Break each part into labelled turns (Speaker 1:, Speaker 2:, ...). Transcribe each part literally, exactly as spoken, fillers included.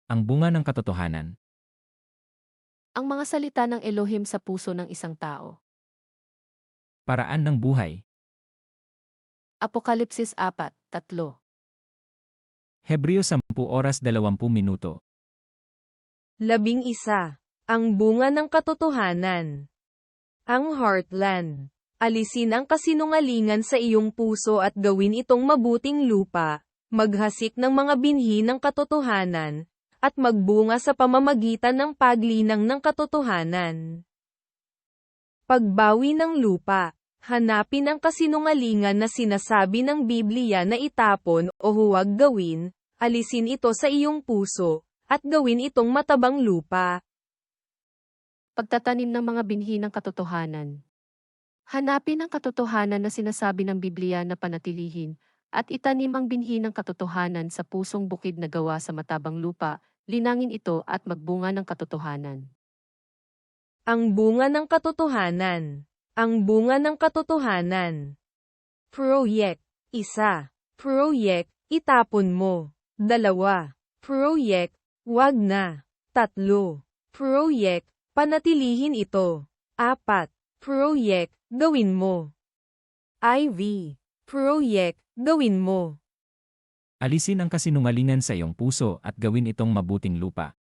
Speaker 1: Ang bunga ng katotohanan.
Speaker 2: Ang mga salita ng Elohim sa puso ng isang tao.
Speaker 1: Paraan ng buhay.
Speaker 2: Apokalipsis apat, tatlo.
Speaker 1: Hebreo sampu oras dalawampu minuto.
Speaker 3: Labing isa. Ang bunga ng katotohanan. Ang heartland. Alisin ang kasinungalingan sa iyong puso at gawin itong mabuting lupa, maghasik ng mga binhi ng katotohanan, at magbunga sa pamamagitan ng paglinang ng katotohanan. Pagbawi ng lupa. Hanapin ang kasinungalingan na sinasabi ng Biblia na itapon o huwag gawin, alisin ito sa iyong puso, at gawin itong matabang lupa.
Speaker 2: Pagtatanim ng mga binhi ng katotohanan. Hanapin ang katotohanan na sinasabi ng Biblia na panatilihin, at itanim ang binhi ng katotohanan sa pusong bukid na gawa sa matabang lupa, linangin ito at magbunga ng katotohanan.
Speaker 3: Ang bunga ng katotohanan. Ang bunga ng katotohanan. Proyek. Isa. Proyek, itapon mo. Dalawa. Proyek, wag na. Tatlo. Proyek, panatilihin ito. Apat. Proyek, gawin mo. I V. Proyek, gawin mo.
Speaker 1: Alisin ang kasinungalingan sa iyong puso at gawin itong mabuting lupa.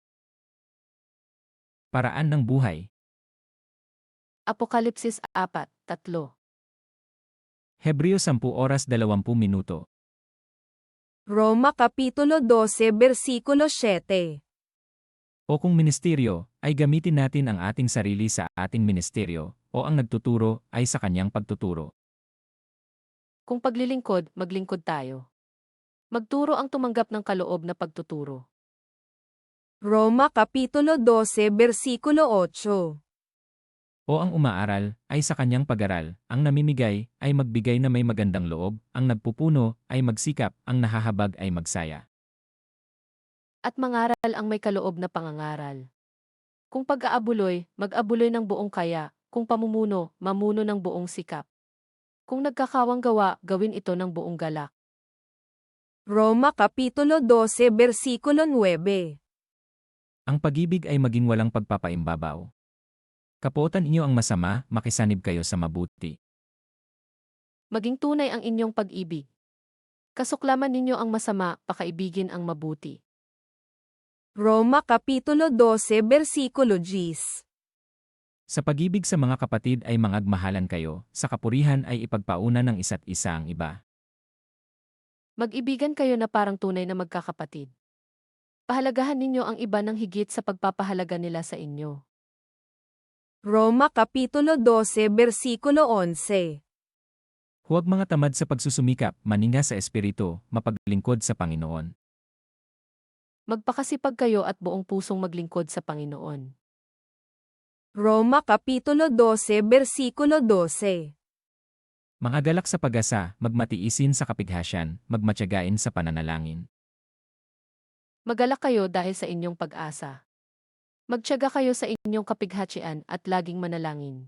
Speaker 1: Paraan ng buhay.
Speaker 2: Apokalipsis apat, tatlo.
Speaker 1: Hebreo sampu oras dalawampu minuto.
Speaker 3: Roma Kapitulo twelve versikulo siyete.
Speaker 1: O kung ministeryo, ay gamitin natin ang ating sarili sa ating ministeryo, o ang nagtuturo ay sa kanyang pagtuturo.
Speaker 2: Kung paglilingkod, maglingkod tayo. Magturo ang tumanggap ng kaloob na pagtuturo.
Speaker 3: Roma Kapitulo twelve versikulo eight.
Speaker 1: O ang umaaral, ay sa kanyang pag-aral, ang namimigay, ay magbigay na may magandang loob, ang nagpupuno, ay magsikap, ang nahahabag ay magsaya.
Speaker 2: At mangaral ang may kaloob na pangangaral. Kung pag-aabuloy, mag-abuloy ng buong kaya, kung pamumuno, mamuno ng buong sikap. Kung nagkakawang gawa, gawin ito ng buong galak.
Speaker 3: Roma Kapitulo twelve versikulo nine.
Speaker 1: Ang pag-ibig ay maging walang pagpapaimbabaw. Kapuotan inyo ang masama, makisanib kayo sa mabuti.
Speaker 2: Maging tunay ang inyong pag-ibig. Kasuklaman ninyo ang masama, pakaibigin ang mabuti.
Speaker 3: Roma Kapitulo twelve versikulo ten.
Speaker 1: Sa pag-ibig sa mga kapatid ay mangagmahalan kayo, sa kapurihan ay ipagpauna ng isa't isa ang iba.
Speaker 2: Mag-ibigan kayo na parang tunay na magkakapatid. Pahalagahan ninyo ang iba ng higit sa pagpapahalaga nila sa inyo.
Speaker 3: Roma Kapitulo twelve versikulo eleven.
Speaker 1: Huwag mga tamad sa pagsusumikap, maninga sa espiritu, mapaglingkod sa Panginoon.
Speaker 2: Magpakasipag kayo at buong pusong maglingkod sa Panginoon.
Speaker 3: Roma Kapitulo twelve versikulo twelve.
Speaker 1: Mga galak sa pag-asa, magmatiisin sa kapighasyan, magmatyagain sa pananalangin.
Speaker 2: Magalak kayo dahil sa inyong pag-asa. Magtiyaga kayo sa inyong kapighatsian at laging manalangin.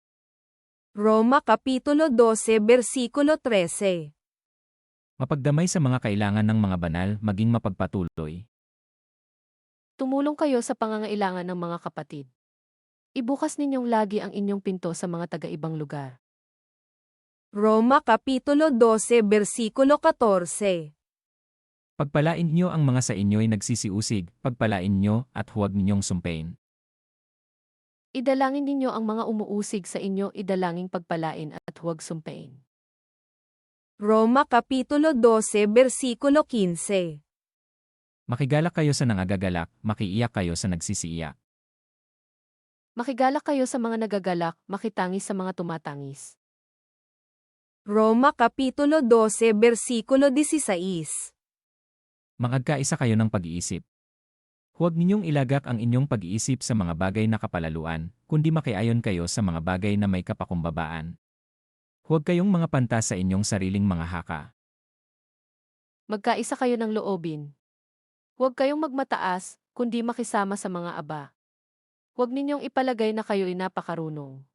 Speaker 3: Roma Kapitulo twelve versikulo thirteen.
Speaker 1: Mapagdamay sa mga kailangan ng mga banal, maging mapagpatuloy.
Speaker 2: Tumulong kayo sa pangangailangan ng mga kapatid. Ibukas ninyong lagi ang inyong pinto sa mga taga-ibang lugar.
Speaker 3: Roma Kapitulo twelve versikulo fourteen.
Speaker 1: Pagpalain niyo ang mga sa inyo'y nagsisiusig, pagpalain niyo at huwag ninyong sumpain.
Speaker 2: Idalangin ninyo ang mga umuusig sa inyo, idalangin pagpalain at huwag sumpain.
Speaker 3: Roma Kapitulo twelve versikulo fifteen.
Speaker 1: Makigalak kayo sa nangagagalak, makiiyak kayo sa nagsisiiyak.
Speaker 2: Makigalak kayo sa mga nagagalak, makitangis sa mga tumatangis.
Speaker 3: Roma Kapitulo twelve versikulo sixteen.
Speaker 1: Mangagkaisa kayo ng pag-iisip. Huwag ninyong ilagak ang inyong pag-iisip sa mga bagay na kapalaluan, kundi makiayon kayo sa mga bagay na may kapakumbabaan. Huwag kayong mga pantas sa inyong sariling mga haka.
Speaker 2: Magkaisa kayo ng loobin. Huwag kayong magmataas, kundi makisama sa mga aba. Huwag ninyong ipalagay na kayo'y napakarunong.